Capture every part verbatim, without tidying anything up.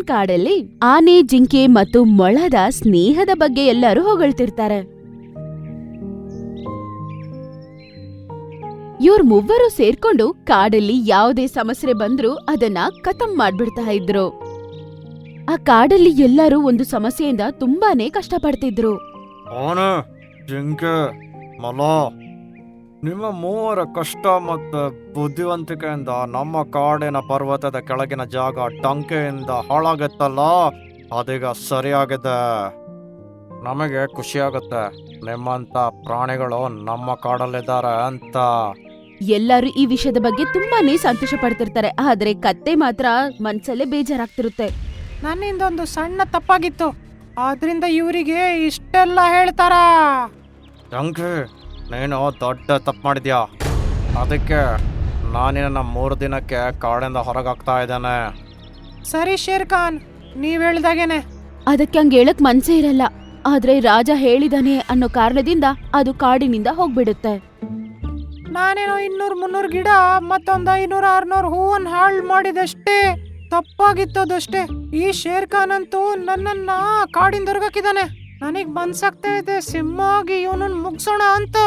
ಕಾಡಲ್ಲಿ ಆನೆ, ಜಿಂಕೆ ಮತ್ತು ಮೊಳದ ಸ್ನೇಹದ ಬಗ್ಗೆ ಎಲ್ಲರೂ ಹೊಗಳ್ತಿರ್ತಾರೆ. ಇವ್ರ ಮೂವರು ಸೇರ್ಕೊಂಡು ಕಾಡಲ್ಲಿ ಯಾವುದೇ ಸಮಸ್ಯೆ ಬಂದ್ರೂ ಅದನ್ನ ಖತಮ್ ಮಾಡ್ಬಿಡ್ತಾ ಇದ್ರು. ಆ ಕಾಡಲ್ಲಿ ಎಲ್ಲರೂ ಒಂದು ಸಮಸ್ಯೆಯಿಂದ ತುಂಬಾನೇ ಕಷ್ಟಪಡ್ತಿದ್ರು. ಆನೆ, ಜಿಂಕೆ, ಮೊಲ, ನಿಮ್ಮ ಮೂವರ ಕಷ್ಟ ಮತ್ತು ಬುದ್ಧಿವಂತಿಕೆಯಿಂದ ನಮ್ಮ ಕಾಡಿನ ಪರ್ವತದ ಕೆಳಗಿನ ಜಾಗ ಟಂಕೆಯಿಂದ ಹಾಳಾಗತ್ತಲ್ಲ, ಅದೀಗ ಸರಿಯಾಗಿದೆ. ನಮಗೆ ಖುಷಿಯಾಗುತ್ತೆ ನಿಮ್ಮಂತ ಪ್ರಾಣಿಗಳು ನಮ್ಮ ಕಾಡಲ್ಲಿದ್ದಾರೆ ಅಂತ. ಎಲ್ಲರೂ ಈ ವಿಷಯದ ಬಗ್ಗೆ ತುಂಬಾನೇ ಸಂತೋಷ ಪಡ್ತಿರ್ತಾರೆ. ಆದ್ರೆ ಕತ್ತೆ ಮಾತ್ರ ಮನ್ಸಲ್ಲೇ ಬೇಜಾರಾಗ್ತಿರುತ್ತೆ. ನನ್ನಿಂದೊಂದು ಸಣ್ಣ ತಪ್ಪಾಗಿತ್ತು, ಆದ್ರಿಂದ ಇವರಿಗೆ ಇಷ್ಟೆಲ್ಲ ಹೇಳ್ತಾರ. ಟಂಕೆ, ನೀನು ದೊಡ್ಡ ತಪ್ಪು ಮಾಡಿದ್ಯಾ. ಅದಕ್ಕೆ ನಾನಿನ್ನ ಮೂರು ದಿನಕ್ಕೆ ಕಾಡಿಂದ ಹೊರಗಾಗ್ತಾ ಇದ್ದೇನೆ. ಸರಿ ಶೇರ್ ಖಾನ್, ನೀವ್ ಹೇಳ್ದಾಗೇನೆ. ಅದಕ್ಕೆ ಹಂಗ ಹೇಳಕ್ ಮನ್ಸೇ ಇರಲ್ಲ. ಆದ್ರೆ ರಾಜ ಹೇಳಿದಾನೆ ಅನ್ನೋ ಕಾರಣದಿಂದ ಅದು ಕಾಡಿನಿಂದ ಹೋಗ್ಬಿಡುತ್ತೆ. ನಾನೇನೋ ಇನ್ನೂರ್ ಮುನ್ನೂರ್ ಗಿಡ ಮತ್ತೊಂದ್ ಐನೂರ ಆರ್ನೂರ್ ಹೂವನ್ ಹಾಳ್ ಮಾಡಿದಷ್ಟೇ, ತಪ್ಪಾಗಿತ್ತದಷ್ಟೇ. ಈ ಶೇರ್ ಖಾನ್ ಅಂತೂ ನನ್ನನ್ನ ಕಾಡಿಂದ ಹೊರಗಾಕಿದಾನೆ. ನನಗ್ ಮನ್ಸಾಗ್ತಾ ಇದೆ ಸಿಂಹವಾಗಿ ಇವನನ್ನ ಮುಗ್ಸೋಣ ಅಂತ.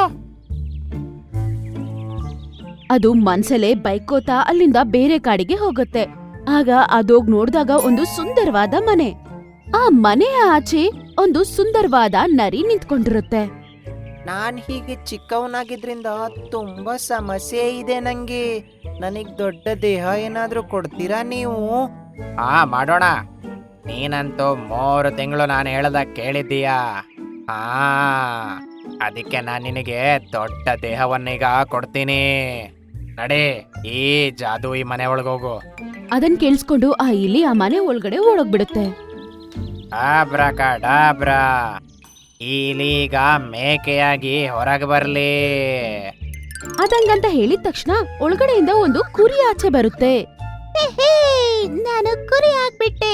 ಅದು ಮನ್ಸಲ್ಲೇ ಬೈಕೋತಾ ಅಲ್ಲಿಂದ ಬೇರೆ ಕಾಡಿಗೆ ಹೋಗುತ್ತೆ. ಆಗ ಅದೋಗ್ ನೋಡ್ದಾಗ ಒಂದು ಸುಂದರವಾದ ಮನೆ. ಆ ಮನೆಯ ಆಚೆ ಒಂದು ಸುಂದರವಾದ ನರಿ ನಿಂತ್ಕೊಂಡಿರುತ್ತೆ. ನಾನ್ ಹೀಗೆ ಚಿಕ್ಕವನಾಗಿದ್ರಿಂದ ತುಂಬಾ ಸಮಸ್ಯೆ ಇದೆ ನಂಗೆ. ನನಗ್ ದೊಡ್ಡ ದೇಹ ಏನಾದ್ರೂ ಕೊಡ್ತೀರಾ ನೀವು? ಹಾ, ಮಾಡೋಣ. ನೀನಂತೂ ಮೂರು ತಿಂಗಳು ನಾನು ಹೇಳ್ದ ಕೇಳಿದ್ದೀಯಾ. ಹಾ, ಅದಕ್ಕೆ ನಾನು ನಿನಗೆ ದೊಡ್ಡ ದೇಹವನ್ನೀಗ ಕೊಡ್ತೀನಿ. ನಡಿ, ಈ ಜಾದು ಈ ಮನೆ ಒಳಗೋಗು. ಅದನ್ ಕೇಳಿಸ್ಕೊಂಡು ಆ ಇಲಿ ಆ ಮನೆ ಒಳಗಡೆ ಓಡೋಗ್ಬಿಡುತ್ತೆ. ಆಬ್ರಾಕಡಾಬ್ರಾ, ಇಲೀಗ ಮೇಕೆಯಾಗಿ ಹೊರಗೆ ಬರ್ಲಿ. ಅದಂಗಂತ ಹೇಳಿದ ತಕ್ಷಣ ಒಳಗಡೆಯಿಂದ ಒಂದು ಕುರಿ ಆಚೆ ಬರುತ್ತೆ. ನಾನು ಕುರಿ ಆಗ್ಬಿಟ್ಟೆ.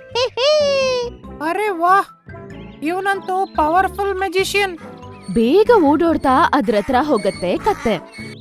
ಅರೆ ವಾಹ್, ಇವನಂತೂ ಪವರ್ಫುಲ್ ಮ್ಯಾಜಿಷಿಯನ್. ಬೇಗ ಓಡೋಡ್ತಾ ಅದ್ರ ಹತ್ರ ಹೋಗತ್ತೆ ಕತ್ತೆ.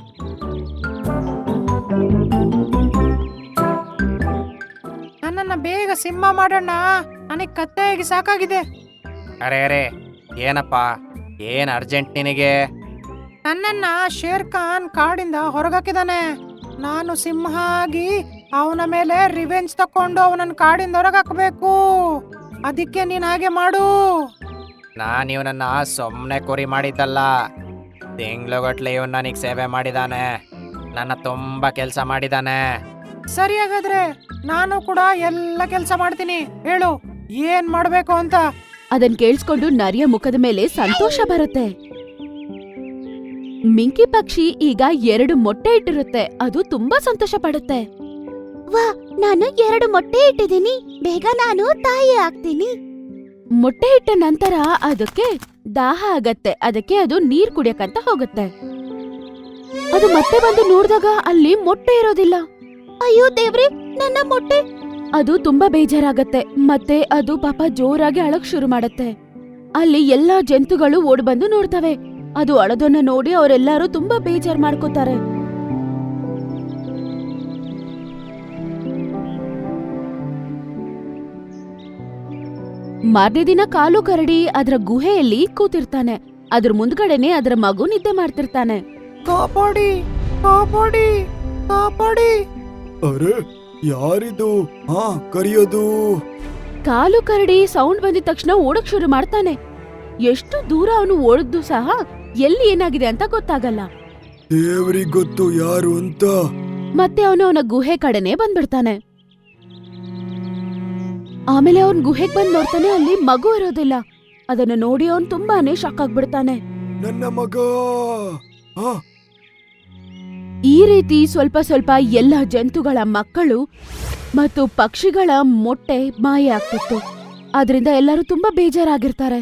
ನನ್ನನ್ನ ಬೇಗ ಸಿಂಹ ಮಾಡೋಣ, ನನಗ್ ಕತ್ತೆಯಾಗಿ ಸಾಕಾಗಿದೆ. ಅರೆ ಅರೆ, ಏನಪ್ಪ, ಏನ್ ಅರ್ಜೆಂಟ್ ನಿನಗೆ? ನನ್ನನ್ನ ಶೇರ್ ಖಾನ್ ಕಾಡಿಂದ ಹೊರಗಾಕಿದಾನೆ. ನಾನು ಸಿಂಹ ಆಗಿ ಅವನ ಮೇಲೆ ರಿವೆಂಜ್ ತಕೊಂಡು ಅವನನ್ನ ಕಾಡಿಂದ ಹೊರಗಾಕಬೇಕು. ಅದಕ್ಕೆ ನೀನ್ ಹಾಗೆ ಮಾಡು. ನಾನು ಇವನನ್ನ ಸುಮ್ಮನೆ ಕುರಿ ಮಾಡಿದ್ದಲ್ಲ. ತಿಂಗ್ಳುಗಟ್ಲೆ ಇವನ್ ನನಗೆ ಸೇವೆ ಮಾಡಿದಾನೆ, ನನ್ನ ತುಂಬಾ ಕೆಲಸ ಮಾಡಿದಾನೆ. ಸರಿ, ಹಾಗಾದ್ರೆ ನಾನು ಕೂಡ ಎಲ್ಲ ಕೆಲಸ ಮಾಡ್ತೀನಿ. ಹೇಳು ಏನ್ ಮಾಡ್ಬೇಕು ಅಂತ. ಅದನ್ ಕೇಳಿಸ್ಕೊಂಡು ನರಿಯ ಮುಖದ ಮೇಲೆ ಸಂತೋಷ ಬರುತ್ತೆ. ಮಿಂಕಿ ಪಕ್ಷಿ ಈಗ ಎರಡು ಮೊಟ್ಟೆ ಇಟ್ಟಿರುತ್ತೆ. ಅದು ತುಂಬಾ ಸಂತೋಷ ಪಡುತ್ತೆ. ವಾ, ನಾನು ಎರಡು ಮೊಟ್ಟೆ ಇಟ್ಟಿದ್ದೀನಿ, ಬೇಗ ನಾನು ತಾಯಿ ಆಗ್ತೀನಿ. ಮೊಟ್ಟೆ ಇಟ್ಟ ನಂತರ ಅದಕ್ಕೆ ದಾಹ ಆಗತ್ತೆ. ಅದಕ್ಕೆ ಅದು ನೀರ್ ಕುಡಿಯಕಂತ ಹೋಗುತ್ತೆ. ಅದು ಮತ್ತೆ ಬಂದು ನೋಡಿದಾಗ ಅಲ್ಲಿ ಮೊಟ್ಟೆ ಇರೋದಿಲ್ಲ. ಅಯ್ಯೋ ದೇವ್ರೆ, ನನ್ನ ಮೊಟ್ಟೆ! ಅದು ತುಂಬಾ ಬೇಜಾರಾಗತ್ತೆ. ಮತ್ತೆ ಅದು ಪಾಪ ಜೋರಾಗಿ ಅಳಕ್ ಶುರು ಮಾಡತ್ತೆ. ಅಲ್ಲಿ ಎಲ್ಲಾ ಜಂತುಗಳು ಓಡ್ ಬಂದು ನೋಡ್ತವೆ. ಅದು ಅಳದನ್ನ ನೋಡಿ ಅವರೆಲ್ಲರೂ ತುಂಬಾ ಬೇಜಾರ್ ಮಾಡ್ಕೋತಾರೆ. ಮಾರನೇ ದಿನ ಕಾಲು ಕರಡಿ ಅದರ ಗುಹೆಯಲ್ಲಿ ಕೂತಿರ್ತಾನೆ. ಅದ್ರ ಮುಂದ್ಗಡೆನೆ ಅದರ ಮಗು ನಿದ್ದೆ ಮಾಡ್ತಿರ್ತಾನೆ. ಕಾಪಾಡಿ, ಕಾಪಾಡಿ, ಕಾಪಾಡಿ. ಅರೆ, ಯಾರಿದು? ಹಾ, ಕರಿಯೋದು. ಕಾಲು ಕರಡಿ ಸೌಂಡ್ ಬಂದಿದ ತಕ್ಷಣ ಓಡಕ್ ಶುರು ಮಾಡ್ತಾನೆ. ಎಷ್ಟು ದೂರ ಅವನು ಓಡಿದ್ದು ಸಹ ಎಲ್ಲಿ ಏನಾಗಿದೆ ಅಂತ ಗೊತ್ತಾಗಲ್ಲ. ದೇವ್ರಿಗ್ ಗೊತ್ತು ಯಾರು ಅಂತ. ಮತ್ತೆ ಅವನು ಅವನ ಗುಹೆ ಕಡೆನೆ ಬಂದ್ಬಿಡ್ತಾನೆ. ಆಮೇಲೆ ಅವನ್ ಗುಹೆಗ್ ಬಂದ್ ನೋಡ್ತಾನೆ, ಅಲ್ಲಿ ಮಗು ಇರೋದಿಲ್ಲ. ಅದನ್ನ ನೋಡಿ ಅವನ್ ತುಂಬಾನೇ ಶಾಕ್ ಆಗ್ಬಿಡ್ತಾನೆ. ನನ್ನ ಮಗ. ಆ, ಈ ರೀತಿ ಸ್ವಲ್ಪ ಸ್ವಲ್ಪ ಎಲ್ಲ ಜಂತುಗಳ ಮಕ್ಕಳು ಮತ್ತು ಪಕ್ಷಿಗಳ ಮೊಟ್ಟೆ ಮಾಯ ಆಗ್ತಿತ್ತು. ಆದ್ರಿಂದ ಎಲ್ಲರೂ ತುಂಬಾ ಬೇಜಾರಾಗಿರ್ತಾರೆ.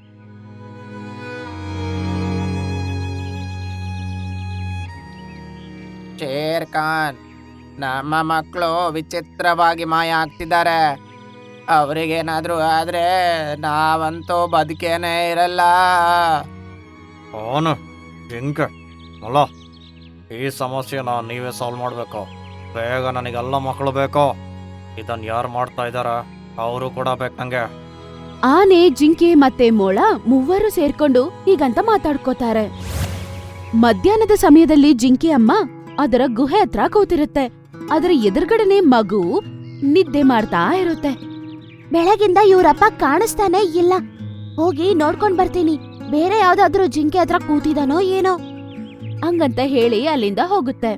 ಶೇರ್ ಖಾನ್, ನಮ್ಮ ಮಕ್ಕಳು ವಿಚಿತ್ರವಾಗಿ ಮಾಯ ಆಗ್ತಿದ್ದಾರೆ. ಅವ್ರಿಗೇನಾದ್ರೂ ಆದ್ರೆ ನಾವಂತೂ ಬದುಕೇನೆ ಇರಲ್ಲ. ಅವನು ಜಿಂಕೆ, ಮೊಲ, ಈ ಸಮಸ್ಯೆನ ನೀವೇ ಸಾಲ್ವ್ ಮಾಡಬೇಕು. ಬೇಗ ನನಗೆಲ್ಲ ಮಕ್ಕಳು ಬೇಕು. ಇದನ್ನು ಯಾರು ಮಾಡ್ತಾ ಇದ್ದಾರೆ? ಅವರು ಕೂಡ ಬೇಕು ನಂಗೆ. ಆನೆ, ಜಿಂಕೆ ಮತ್ತೆ ಮೊಳ ಮೂವರು ಸೇರ್ಕೊಂಡು ಹೀಗಂತ ಮಾತಾಡ್ಕೋತಾರೆ. ಮಧ್ಯಾಹ್ನದ ಸಮಯದಲ್ಲಿ ಜಿಂಕೆ ಅಮ್ಮ ಅದರ ಗುಹೆ ಹತ್ರ ಕೂತಿರುತ್ತೆ. ಅದರ ಎದುರುಗಡೆನೆ ಮಗು ನಿದ್ದೆ ಮಾಡ್ತಾ ಇರುತ್ತೆ. ಬೆಳಗಿಂದ ಇವ್ರಪ್ಪ ಕಾಣಿಸ್ತಾನೆ ಇಲ್ಲ. ಹೋಗಿ ನೋಡ್ಕೊಂಡ್ ಬರ್ತೀನಿ, ಬೇರೆ ಯಾವ್ದಾದ್ರೂ ಜಿಂಕೆ ಹತ್ರ ಕೂತಿದಾನೋ ಏನೋ ಹಂಗಂತ ಹೇಳಿ ಅಲ್ಲಿಂದ ಹೋಗುತ್ತೆ.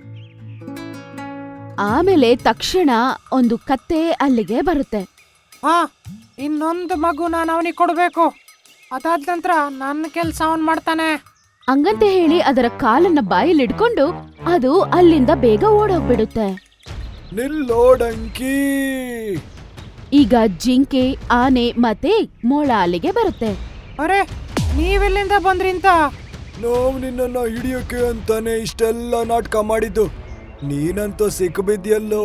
ಆಮೇಲೆ ತಕ್ಷಣ ಒಂದು ಕತ್ತೆ ಅಲ್ಲಿಗೆ ಬರುತ್ತೆ. ಹಾ, ಇನ್ನೊಂದು ಮಗು ನಾನು ಅವನಿಗೆ ಕೊಡ್ಬೇಕು. ಅದಾದ ನಂತರ ನನ್ನ ಕೆಲ್ಸ ಅವನ್ ಮಾಡ್ತಾನೆ. ಹಂಗಂತ ಹೇಳಿ ಅದರ ಕಾಲನ್ನ ಬಾಯಲ್ಲಿಡ್ಕೊಂಡು ಅದು ಅಲ್ಲಿಂದ ಬೇಗ ಓಡೋಗ್ಬಿಡುತ್ತೆ. ನಿಲ್ಲೋಡಂಕಿ. ಈಗ ಜಿಂಕೆ, ಆನೆ ಮತ್ತೆ ಮೊಳ ಅಲ್ಲಿಗೆ ಬರುತ್ತೆ. ಅರೆ, ನೀವೆಲ್ಲಿಂದ ಬಂದ್ರಿ ಅಂತ? ನಾವು ನಿನ್ನನ್ನ ಹಿಡಿಯೋಕೆ ಅಂತಾನೆ ಇಷ್ಟೆಲ್ಲ ನಾಟಕ ಮಾಡಿದ್ದು. ನೀನಂತೂ ಸಿಕ್ಬಿದ್ಯಲ್ಲೋ.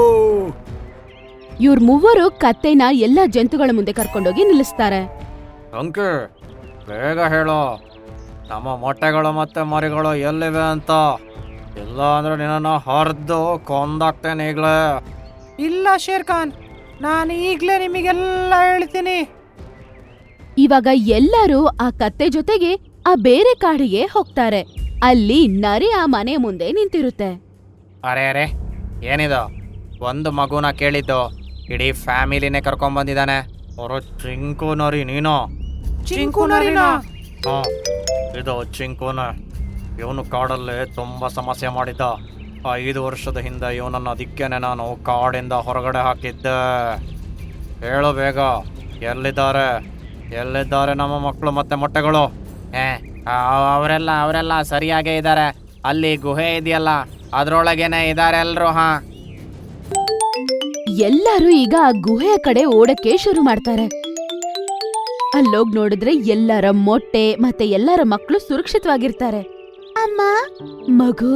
ಇವ್ರ ಮೂವರು ಕತ್ತೆನ ಎಲ್ಲಾ ಜಂತುಗಳ ಮುಂದೆ ಕರ್ಕೊಂಡೋಗಿ ನಿಲ್ಲಿಸ್ತಾರೆ. ಅಂಕಿ, ಬೇಗ ಹೇಳು, ನಮ್ಮ ಮೊಟ್ಟೆಗಳು ಮತ್ತೆ ಮರಿಗಳು ಎಲ್ಲಿವೆ ಅಂತ. ಇಲ್ಲ ಅಂದ್ರೆ ನಿನ್ನನ್ನು ಹರಿದು ಕೊಂದಾಕ್ತೇನೆ ಈಗಲೇ. ಇಲ್ಲ ಶೇರ್ ಖಾನ್, ನಾನು ಈಗ್ಲೇ ನಿಮಗೆಲ್ಲ ಹೇಳ್ತೀನಿ. ಇವಾಗ ಎಲ್ಲರೂ ಆ ಕತ್ತೆ ಜೊತೆಗೆ ಆ ಬೇರೆ ಕಾಡಿಗೆ ಹೋಗ್ತಾರೆ. ಅಲ್ಲಿ ನರಿ ಆ ಮನೆ ಮುಂದೆ ನಿಂತಿರುತ್ತೆ. ಅರೆ ಅರೆ, ಏನಿದು? ಒಂದು ಮಗುನ ಕೇಳಿದ್ದು, ಇಡೀ ಫ್ಯಾಮಿಲಿನೇ ಕರ್ಕೊಂಡ್ ಬಂದಿದ್ದಾನೆ. ಅವರು ಚಿಂಕು ನರಿ ನೀನು? ಚಿಂಕು ನರಿನಾ? ಹಾ, ಇದು ಚಿಂಕುನ. ಇವನು ಕಾಡಲ್ಲಿ ತುಂಬ ಸಮಸ್ಯೆ ಮಾಡಿದ್ದ. ಐದು ವರ್ಷದ ಹಿಂದೆ ಇವನನ್ನು ಅದಕ್ಕೇನೆ ನಾನು ಕಾಡಿಂದ ಹೊರಗಡೆ ಹಾಕಿದ್ದೆ. ಹೇಳು ಬೇಗ, ಎಲ್ಲಿದ್ದಾರೆ ಎಲ್ಲಿದ್ದಾರೆ ನಮ್ಮ ಮಕ್ಕಳು ಮತ್ತೆ ಮೊಟ್ಟೆಗಳು? ಏ, ಅವರೆಲ್ಲ ಅವರೆಲ್ಲ ಸರಿಯಾಗೇ ಇದ್ದಾರೆ. ಅಲ್ಲಿ ಗುಹೆ ಇದೆಯಲ್ಲ, ಅದ್ರೊಳಗೇನೆ ಇದ್ದಾರೆ ಎಲ್ರು. ಹಾ, ಎಲ್ಲರೂ ಈಗ ಆ ಗುಹೆಯ ಕಡೆ ಓಡಕ್ಕೆ ಶುರು ಮಾಡ್ತಾರೆ. ಅಲ್ಲೋಗ್ ನೋಡಿದ್ರೆ ಎಲ್ಲರ ಮೊಟ್ಟೆ ಮತ್ತೆ ಎಲ್ಲರ ಮಕ್ಕಳು ಸುರಕ್ಷಿತವಾಗಿರ್ತಾರೆ. ಅಮ್ಮ, ಮಗು,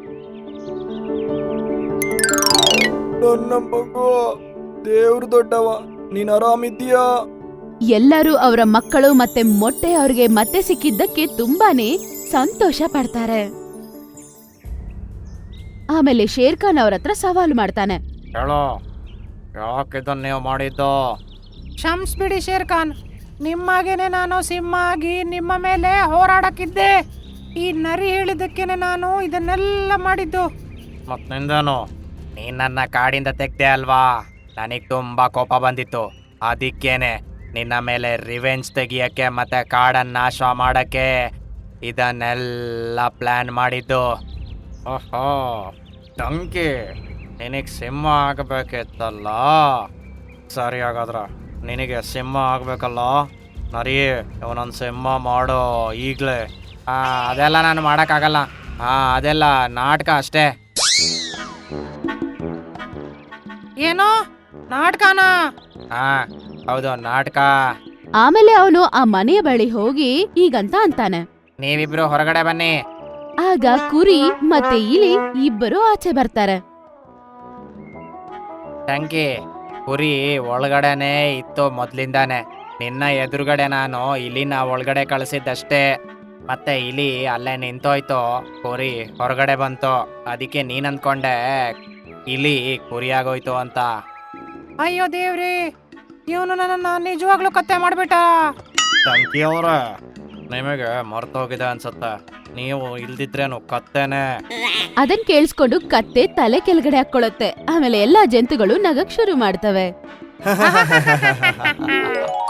ನನ್ನ ಮಗು, ದೇವ್ರು ದೊಡ್ಡವ, ನೀನ್ ಆರಾಮಿದ್ಯಾ? ಎಲ್ಲರೂ ಅವರ ಮಕ್ಕಳು ಮತ್ತೆ ಮೊಟ್ಟೆ ಅವ್ರಿಗೆ ಮತ್ತೆ ಸಿಕ್ಕಿದ್ದಕ್ಕೆ ತುಂಬಾನೇ ಸಂತೋಷ ಪಡ್ತಾರೆ. ಆಮೇಲೆ ಶೇರ್ ಖಾನ್ ಅವ್ರ ಹತ್ರ ಸವಾಲು ಮಾಡ್ತಾನೆ. ಹೇಳು, ಯಾಕೆ ಇದನ್ನ ನೀವು ಮಾಡಿದ್ದು? ಕ್ಷಮಿಸ್ಬಿಡಿ ಶೇರ್ ಖಾನ್, ನಿಮ್ಮಾಗೇನೆ ನಾನು ಸಿಂಹ ಆಗಿ ನಿಮ್ಮ ಮೇಲೆ ಹೋರಾಡಕ್ಕಿದ್ದೆ. ಈ ನರಿ ಹೇಳಿದ್ದಕ್ಕೇನೆ ನಾನು ಇದನ್ನೆಲ್ಲ ಮಾಡಿದ್ದು. ಮತ್ ನಿಂದೇನು? ನೀನ್ ನನ್ನ ಕಾಡಿಂದ ತೆಗ್ದೆ ಅಲ್ವಾ? ನನಗ್ ತುಂಬಾ ಕೋಪ ಬಂದಿತ್ತು. ಅದಕ್ಕೇನೆ ನಿನ್ನ ಮೇಲೆ ರಿವೆಂಜ್ ತೆಗಿಯಕ್ಕೆ ಮತ್ತೆ ಕಾಡನ್ನ ನಾಶ ಮಾಡಕ್ಕೆ ಇದನ್ನೆಲ್ಲ ಪ್ಲಾನ್ ಮಾಡಿದ್ದು. ಓಹೋ, ಟಂಕಿ, ನಿನಗೆ ಸಿಂಹ ಆಗಬೇಕಿತ್ತಲ್ಲ. ಸರಿ, ಹಾಗಾದ್ರೆ ನಿನಗೆ ಸಿಂಹ ಆಗ್ಬೇಕಲ್ಲ. ನರಿ, ಇವನೊಂದು ಸಿಂಹ ಮಾಡೋ ಈಗಲೇ. ಆ, ಅದೆಲ್ಲ ನಾನು ಮಾಡೋಕ್ಕಾಗಲ್ಲ. ಹಾ, ಅದೆಲ್ಲ ನಾಟಕ ಅಷ್ಟೇ. ಏನೋ ನಾಟಕನಾ? ಹಾ, ಹೌದು, ನಾಟಕ. ಆಮೇಲೆ ಅವನು ಆ ಮನೆಯ ಬಳಿ ಹೋಗಿ ಹೀಗಂತ ಅಂತಾನೆ. ನೀವಿಬ್ರು ಹೊರಗಡೆ ಬನ್ನಿ. ಆಗ ಕುರಿ ಮತ್ತೆ ಇಲಿ ಇಬ್ಬರು ಆಚೆ ಬರ್ತಾರೆ. ಟಂಕಿ, ಕುರಿ ಒಳಗಡೆನೆ ಇತ್ತು ಮೊದ್ಲಿಂದಾನೆ. ನಿನ್ನ ಎದುರುಗಡೆ ನಾನು ಇಲಿನ ಒಳಗಡೆ ಕಳಿಸಿದ್ದಷ್ಟೇ. ಮತ್ತೆ ಇಲಿ ಅಲ್ಲೇ ನಿಂತೋಯ್ತು, ಕುರಿ ಹೊರಗಡೆ ಬಂತು. ಅದಕ್ಕೆ ನೀನ್ ಅನ್ಕೊಂಡೆ ಇಲಿ ಕುರಿಯಾಗೋಯ್ತು ಅಂತ. ಅಯ್ಯೋ ದೇವ್ರಿ, ಇವನು ನನ್ನ ನಿಜವಾಗ್ಲೂ ಕತ್ತೆ ಮಾಡ್ಬಿಟ್ಟ. ಟಂಕಿ ಅವ್ರೆ, ನಿಮಗೆ ಮರ್ತೋಗಿದೆ ಅನ್ಸುತ್ತೆ. ನೀವು ಇಲ್ದಿದ್ರೇನು ಕತ್ತೇನೆ. ಅದನ್ ಕೇಳಿಸ್ಕೊಂಡು ಕತ್ತೆ ತಲೆ ಕೆಳಗಡೆ ಹಾಕೊಳ್ಳುತ್ತೆ. ಆಮೇಲೆ ಎಲ್ಲಾ ಜಂತುಗಳು ನಗಕ್ ಶುರು ಮಾಡ್ತವೆ.